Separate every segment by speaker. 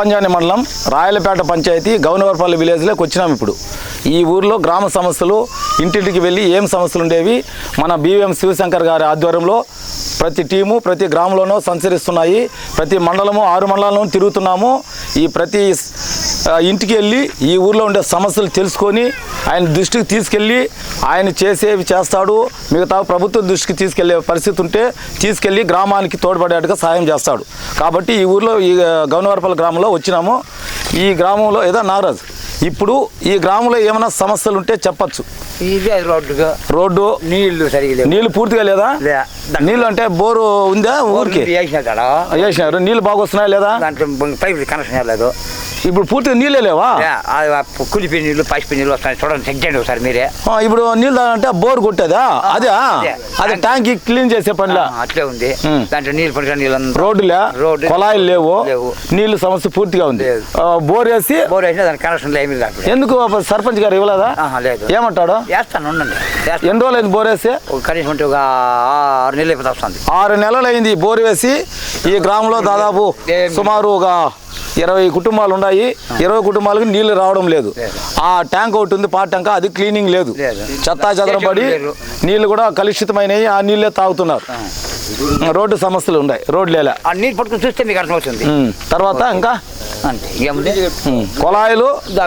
Speaker 1: అప్పంజాని మండలం రాయలపేట పంచాయతీ గౌనవర్పల్లి విలేజ్లోకి వచ్చినాం. ఇప్పుడు ఈ ఊర్లో గ్రామ సమస్యలు ఇంటింటికి వెళ్ళి ఏం సమస్యలు ఉండేవి మన బివిఎం శివశంకర్ గారి ఆధ్వర్యంలో ప్రతి టీము ప్రతి గ్రామంలోనూ సంచరిస్తున్నాయి. ప్రతి మండలము 6 మండలాలను తిరుగుతున్నాము. ఈ ప్రతి ఇంటికి వెళ్ళి ఈ ఊర్లో ఉండే సమస్యలు తెలుసుకొని ఆయన దృష్టికి తీసుకెళ్ళి ఆయన చేసేవి చేస్తాడు. మిగతా ప్రభుత్వ దృష్టికి తీసుకెళ్లే పరిస్థితి ఉంటే తీసుకెళ్ళి గ్రామానికి తోడ్పడేట్టుగా సాయం చేస్తాడు. కాబట్టి ఈ ఊర్లో ఈ గౌనవర్పల్లి గ్రామంలో వచ్చినాము. ఈ గ్రామంలో ఏదో నాగరాజు ఇప్పుడు ఈ గ్రామంలో ఏమైనా సమస్యలు ఉంటే చెప్పచ్చు. రోడ్డు నీళ్లు పూర్తిగా లేదా? నీళ్ళు అంటే బోరు ఉందా ఊరికి? వేసినారు. నీళ్ళు బాగా వస్తున్నాయా లేదా?
Speaker 2: కనెక్షన్ లేదు.
Speaker 1: ఇప్పుడు పూర్తిగా నీళ్ళే లేవా?
Speaker 2: కులిపి నీళ్ళు పసిపి నీళ్ళు వస్తాయి. చూడండి, చెక్ చేయండి ఒకసారి మీరే.
Speaker 1: ఇప్పుడు నీళ్ళు అంటే బోర్ కొట్టేదా? అదే ట్యాంక్ క్లీన్ చేసే పనిలా
Speaker 2: అట్లే ఉంది. దాంట్లో నీళ్ళు పడిన నీళ్ళు
Speaker 1: రోడ్డులే, కొలాయిలు లేవు, నీళ్ళు సమస్య పూర్తిగా ఉంది. బోర్ వేసినా
Speaker 2: దాని కనెక్షన్ ఏమి లేదు.
Speaker 1: ఎందుకు సర్పంచ్ గారు ఇవ్వలేదా?
Speaker 2: లేదు.
Speaker 1: ఏమంటాడు?
Speaker 2: వేస్తాను, ఉండండి.
Speaker 1: ఎన్ని రోజులు అయింది బోర్ వేసి?
Speaker 2: కనీసం అంటే ఒక 6 నెలలు అయిపోతా వస్తుంది.
Speaker 1: 6 నెలలు అయింది బోర్ వేసి. ఈ గ్రామంలో దాదాపు సుమారు ఒక 20 కుటుంబాలు ఉన్నాయి. 20 కుటుంబాలకు నీళ్లు రావడం లేదు. ఆ ట్యాంక్ ఒకటి ఉంది, పాట ట్యాంక్, అది క్లీనింగ్ లేదు. చెత్తా చెదరం పడి నీళ్లు కూడా కలుషితమైనవి. ఆ నీళ్ళే తాగుతున్నారు. రోడ్డు సమస్యలు ఉన్నాయి. రోడ్లు లేలా.
Speaker 2: నీళ్ళు పట్టుకుని చూస్తే మీకు అర్థమవుతుంది.
Speaker 1: తర్వాత ఇంకా
Speaker 2: అంతే, ఏముంది?
Speaker 1: కొలాయిలు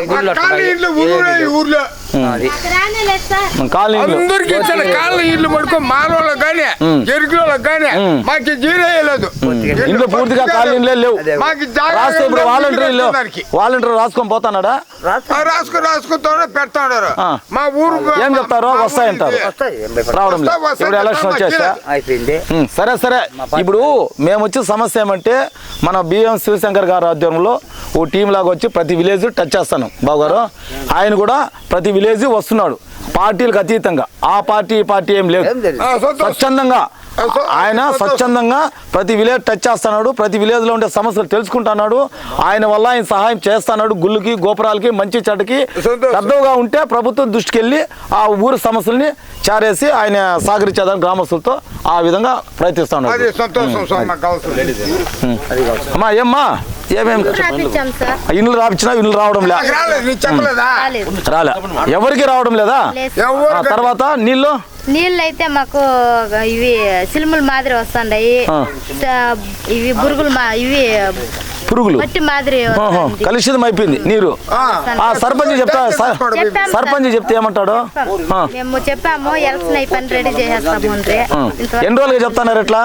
Speaker 3: ఇల్లు పడుకో మానవులకు కానీ ఎరుకులకు కానీ మాకు జీరేయలేదు.
Speaker 1: ఇంట్లో పూర్తిగా కాలనీలే లేవు. రాస్తే ఇప్పుడు వాలంటీర్ రాసుకొని పోతాడా?
Speaker 3: రాసుకుంటా పెడతాడారు. మా ఊరు
Speaker 1: ఏం చెప్తారో వస్తాయంటారు. రావడం లేదు. ఇప్పుడు ఎలక్షన్ వచ్చేసా
Speaker 2: అయిపోయింది.
Speaker 1: సరే ఇప్పుడు మేము వచ్చే సమస్య ఏమంటే మన బిఎం శివశంకర్ గారి ఆధ్వర్యంలో ఓ టీం లాగా వచ్చి ప్రతి విలేజ్ టచ్ చేస్తాను బాబు గారు. ఆయన కూడా ప్రతి విలేజ్ వస్తున్నాడు. పార్టీలకు అతీతంగా ఆ పార్టీ ఈ పార్టీ ఏం లేదు. స్వచ్ఛందంగా ఆయన స్వచ్ఛందంగా ప్రతి విలేజ్ టచ్ చేస్తున్నాడు. ప్రతి విలేజ్లో ఉండే సమస్యలు తెలుసుకుంటున్నాడు. ఆయన వల్ల ఆయన సహాయం చేస్తున్నాడు. గుళ్ళకి గోపురాలకి మంచి చెడ్డకి పెద్దగా ఉంటే ప్రభుత్వం దృష్టికి వెళ్ళి ఆ ఊరు సమస్యల్ని చారేసి ఆయన సహకరించేదాన్ని గ్రామస్తులతో ఆ విధంగా ప్రయత్నిస్తున్నాడు. అమ్మా ఏమ్మా ఏమేమి ఇల్లు రాపించినా ఇల్లు రావడం రాలే. ఎవరికి రావడం లేదా? తర్వాత
Speaker 4: నీళ్ళు అయితే మాకు ఇవి సిలుములు మాదిరి వస్తుండయి. ఇవి పురుగులు మట్టి మాదిరి
Speaker 1: కలుషితం అయిపోయింది నీరు. సర్పంచ్ చెప్తే ఏమంటాడు?
Speaker 4: మేము చెప్పాము ఎలక్షన్ అయిపోయి రెడీ చేసేస్తాము.
Speaker 1: ఎన్ని రోజులుగా చెప్తున్నారు ఎట్లా?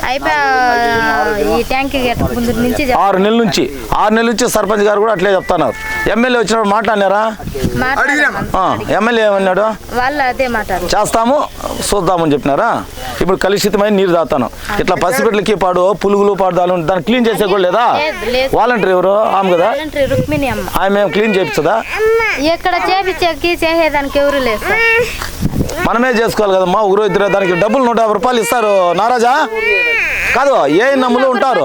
Speaker 4: ఈ ట్యాంక్ ముందు నుంచి
Speaker 1: 6 నెలల నుంచి సర్పంచ్ గారు కూడా అట్లే చెప్తున్నారు. ఎమ్మెల్యే వచ్చినప్పుడు మాట్లాడినారా? ఎమ్మెల్యే ఏమన్నాడు?
Speaker 4: వాళ్ళు అదే మాట
Speaker 1: చేస్తాము చూద్దామని చెప్పినారా? ఇప్పుడు కలుషితమైన నీరు తాగుతాను. ఇట్లా పసిపిట్లకి పాడు పులుగులు పాడుదాలు దాన్ని క్లీన్ చేసే కూడా లేదా? వాలంటీర్ ఎవరు? ఆమె కదా, ఆమె క్లీన్ చేయించదా?
Speaker 4: ఎక్కడ చేసేదానికి ఎవరు లేదు.
Speaker 1: మనమే చేసుకోవాలి కదమ్మా. ఊరు ఇద్దరు దానికి డబ్బులు 150 రూపాయలు ఇస్తారు. నారాజా కాదు, ఏ నమ్ములు ఉంటారు.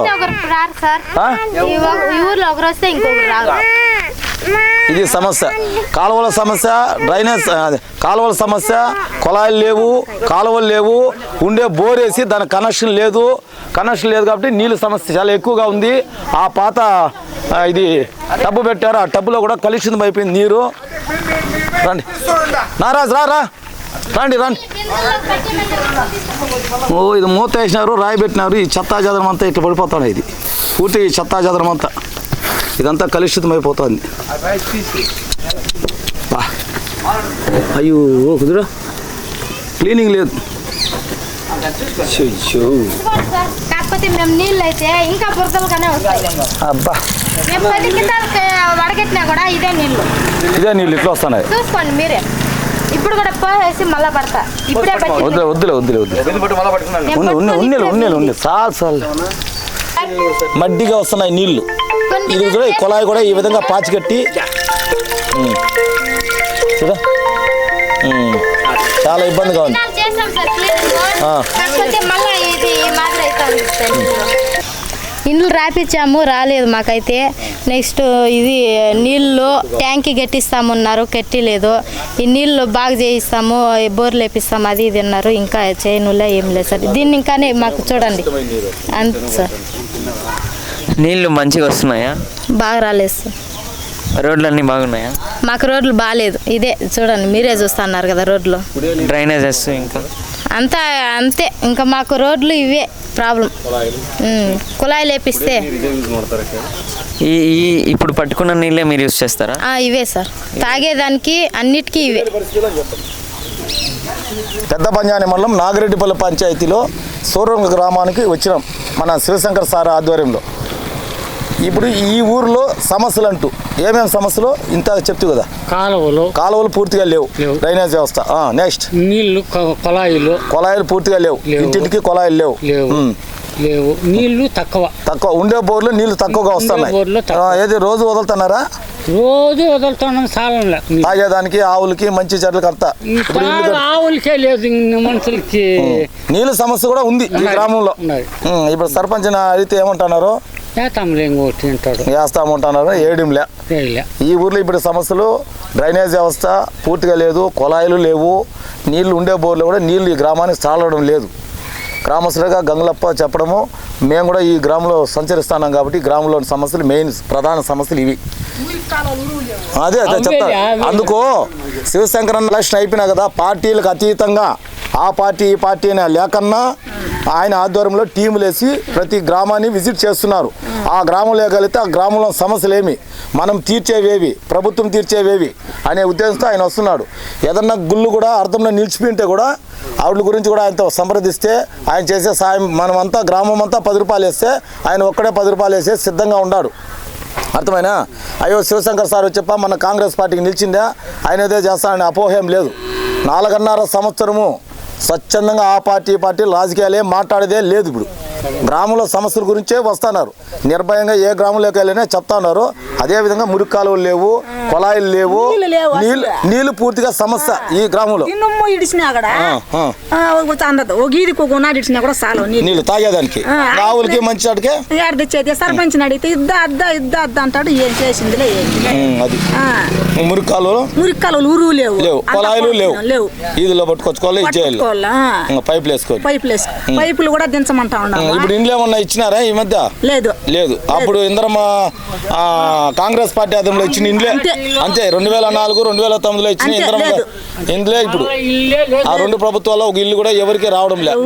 Speaker 1: ఇది సమస్య. కాలువల సమస్య, డ్రైనేజ్ కాలువల సమస్య, కొలాయిలు లేవు, కాలువలు లేవు. ఉండే బోర్ వేసి దానికి కనెక్షన్ లేదు కాబట్టి నీళ్ళ సమస్య చాలా ఎక్కువగా ఉంది. ఆ పాత ఇది టబ్బు పెట్టారు. ఆ టబ్బులో కూడా కలుషితం అయిపోయింది నీరు. రండి నారాజ్ రా రండి. ఓ ఇది మూత వేసినారు, రాయి పెట్టినారు. ఈ చెత్తా చెదరం అంతా ఇట్లా పడిపోతాడు. ఇది పూర్తి ఈ చెత్తా చెదరం అంతా ఇదంతా కలుషితం అయిపోతుంది. అయ్యో కుదురా, క్లీనింగ్ లేదు.
Speaker 4: కాకపోతే మేము నీళ్ళు అయితే ఇంకా బురదలుగానే వస్తాయి.
Speaker 1: అబ్బా
Speaker 4: వడగట్టినా కూడా ఇదే నీళ్ళు
Speaker 1: ఇట్లా వస్తున్నాయి.
Speaker 4: చూసుకోండి మీరే. ఇప్పుడు కూడా పోసేసి మళ్ళా పడతా. ఇప్పుడే
Speaker 1: వద్దులే చాలు మడ్డిగా వస్తున్నాయి నీళ్లు. ఇది కూడా కొలాయి కూడా ఈ విధంగా పాచి కట్టి చాలా ఇబ్బందిగా ఉంది.
Speaker 4: ఇండ్లు రాపించాము, రాలేదు మాకైతే. నెక్స్ట్ ఇది నీళ్ళు ట్యాంకి కట్టిస్తామన్నారు, కట్టిలేదు. ఈ నీళ్ళు బాగా చేయిస్తాము, బోర్లు వేపిస్తాము, అది ఇది అన్నారు. ఇంకా చేయనులే ఏం లేదు సార్. దీన్ని ఇంకానే మాకు చూడండి అంతే సార్.
Speaker 5: నీళ్లు మంచిగా వస్తున్నాయా?
Speaker 4: బాగా రాలేదు సార్.
Speaker 5: రోడ్లు అన్నీ బాగున్నాయా?
Speaker 4: మాకు రోడ్లు బాగాలేదు. ఇదే చూడండి, మీరే చూస్తున్నారు కదా రోడ్లు.
Speaker 5: డ్రైనేజెస్ ఇంకా
Speaker 4: అంతా అంతే. ఇంకా మాకు రోడ్లు ఇవే ప్రాబ్లం. కుళాయిలు వేపిస్తే
Speaker 5: ఈ ఇప్పుడు పట్టుకున్న నీళ్ళే మీరు యూస్ చేస్తారా?
Speaker 4: ఇవే సార్, తాగేదానికి అన్నిటికీ ఇవే.
Speaker 1: పెద్ద పంజాని మండలం నాగిరెడ్డిపల్లి పంచాయతీలో సూరంగ గ్రామానికి వచ్చినాం మన శివశంకర్ సార్ ఆధ్వర్యంలో. ఇప్పుడు ఈ ఊరిలో సమస్యలు అంటూ ఏమేమి సమస్యలు ఇంత చెప్తూ కదా. కాలువలు పూర్తిగా లేవు, డ్రైనేజ్ వ్యవస్థ. నెక్స్ట్
Speaker 6: నీళ్లు
Speaker 1: కొలాయిలు పూర్తిగా లేవు, ఇంటింటికి కొలాయిలు లేవు.
Speaker 6: లేవు, నీళ్లు తక్కువ
Speaker 1: ఉండే బోర్లు నీళ్లు తక్కువగా వస్తున్నాయి. ఏది రోజు వదులుతున్నారా?
Speaker 6: రోజు వదులుతున్నాం. సాలంలో
Speaker 1: తాగేదానికి ఆవులకి మంచి చెట్లకి అంతా.
Speaker 6: ఆవులకే లేదు, మనుషులకి
Speaker 1: నీళ్ళ సమస్య కూడా ఉంది ఈ గ్రామంలో. ఇప్పుడు సర్పంచ్ అడిగితే ఏమంటున్నారు? వేస్తామంటున్నారు, ఏడింలే. ఈ ఊర్లో ఇప్పుడు సమస్యలు డ్రైనేజ్ వ్యవస్థ పూర్తిగా లేదు, కొలాయిలు లేవు, నీళ్లు ఉండే బోర్లు కూడా నీళ్లు ఈ గ్రామానికి చాలడం లేదు. గ్రామస్తులుగా గంగులప్ప చెప్పడము, మేము కూడా ఈ గ్రామంలో సంచరిస్తున్నాం కాబట్టి గ్రామంలోని సమస్యలు మెయిన్ ప్రధాన సమస్యలు ఇవి. అదే చెప్తా. అందుకు శివశంకరన్ ఎలక్షన్ అయిపోయినా కదా, పార్టీలకు అతీతంగా ఆ పార్టీ ఈ పార్టీ అనే లేకన్నా ఆయన ఆధ్వర్యంలో టీములు వేసి ప్రతి గ్రామాన్ని విజిట్ చేస్తున్నారు. ఆ గ్రామంలో కలిగితే ఆ గ్రామంలో సమస్యలు ఏమి, మనం తీర్చేవేవి, ప్రభుత్వం తీర్చేవేవి అనే ఉద్దేశంతో ఆయన వస్తున్నాడు. ఏదన్నా గుళ్ళు కూడా అర్థంలో నిలిచిపోయింటే కూడా ఆవిడ గురించి కూడా ఆయనతో సంప్రదిస్తే ఆయన చేసే సాయం మనమంతా గ్రామం అంతా 10 రూపాయలు వేస్తే ఆయన ఒక్కడే 10 రూపాయలు వేసే సిద్ధంగా ఉన్నాడు. అర్థమైనా? అయ్యో శివశంకర్ సార్ వచ్చప్ప మన కాంగ్రెస్ పార్టీకి నిలిచిందా, ఆయన ఏదో చేస్తానని అపోహం లేదు. 4.5 సంవత్సరము స్వచ్ఛందంగా ఆ పార్టీ రాజకీయాలు ఏం మాట్లాడేదే లేదు. ఇప్పుడు గ్రామంలో సమస్యల గురించే వస్తున్నారు. నిర్భయంగా ఏ గ్రామంలోకి వెళ్ళినా చెప్తా ఉన్నారు. అదేవిధంగా మురికి కాలువలు లేవు, కొలాయిలు లేవు, నీళ్లు పూర్తిగా సమస్య ఈ గ్రామంలో. నీళ్ళు తాగేదానికి ఆవులకి మంచి అడిగే
Speaker 7: సర్పంచ్ అడిగితే ఇద్దా అంటాడు. ఏం చేసింది
Speaker 1: అది మురికి కాలువలు
Speaker 7: ఊరు లేవు,
Speaker 1: కొలాయిలు లేవు. ఈదులో పట్టుకొచ్చుకోవాలి, ఇచ్చేయాలి, పైపులు వేసుకోవాలి.
Speaker 7: పైపులు కూడా దించమంటా ఉన్నాం.
Speaker 1: ఇప్పుడు ఇండ్లు ఏమన్నా ఇచ్చినారా ఈ మధ్య? లేదు. అప్పుడు ఇంద్రమ్మ కాంగ్రెస్ పార్టీ ఆధ్వర్యంలో ఇచ్చిన ఇండ్లే అంతే. 2004, 2009లో ఇచ్చిన ఇంద్రమ్మ ఇండ్లే. ఇప్పుడు ఆ 2 ప్రభుత్వాల్లో ఒక ఇల్లు కూడా ఎవరికి రావడం లేదు.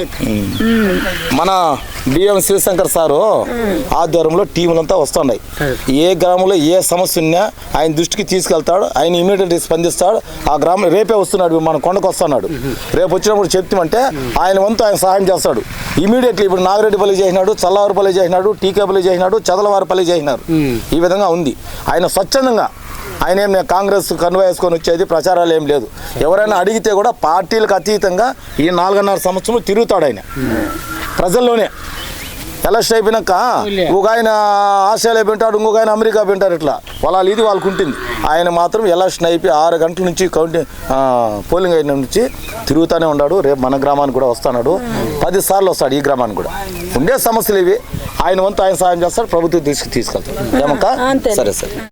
Speaker 1: మన బిఎం శివశంకర్ సారు ఆధ్వర్యంలో టీములంతా వస్తున్నాయి. ఏ గ్రామంలో ఏ సమస్య ఉన్నా ఆయన దృష్టికి తీసుకెళ్తాడు. ఆయన ఇమీడియట్గా స్పందిస్తాడు. ఆ గ్రామం రేపే వస్తున్నాడు, మన కొండకు వస్తున్నాడు. రేపు వచ్చినప్పుడు చెప్తామంటే ఆయన వంతు ఆయన సహాయం చేస్తాడు ఇమీడియట్లీ. ఇప్పుడు నాగిరెడ్డిపల్లి చేసినాడు, చల్లవారిపల్లి చేసినాడు, టీకేపల్లి చేసినాడు, చదలవారిపల్లి చేసినారు. ఈ విధంగా ఉంది. ఆయన స్వచ్ఛందంగా ఆయన ఏం కాంగ్రెస్ కన్వా వేసుకొని వచ్చేది ప్రచారాలు ఏం లేదు. ఎవరైనా అడిగితే కూడా పార్టీలకు అతీతంగా ఈ 4.5 సంవత్సరం తిరుగుతాడు ఆయన ప్రజల్లోనే. ఎలక్షన్ అయిపోయినాక ఒక ఆయన ఆస్ట్రేలియా పెంటాడు, ఇంకొక ఆయన అమెరికా పెంటారు. ఇట్లా ఇది వాళ్ళకు ఉంటుంది. ఆయన మాత్రం ఎలక్షన్ అయిపోయి 6 గంటల నుంచి పోలింగ్ అయిన నుంచి తిరుగుతూనే ఉన్నాడు. రేపు మన గ్రామానికి కూడా వస్తున్నాడు. 10 సార్లు వస్తాడు ఈ గ్రామానికి కూడా. ఉండే సమస్యలు ఇవి. ఆయన వంతు ఆయన సాయం చేస్తాడు, ప్రభుత్వం తీసుకెళ్తాడు. ఏమక్క? సరే.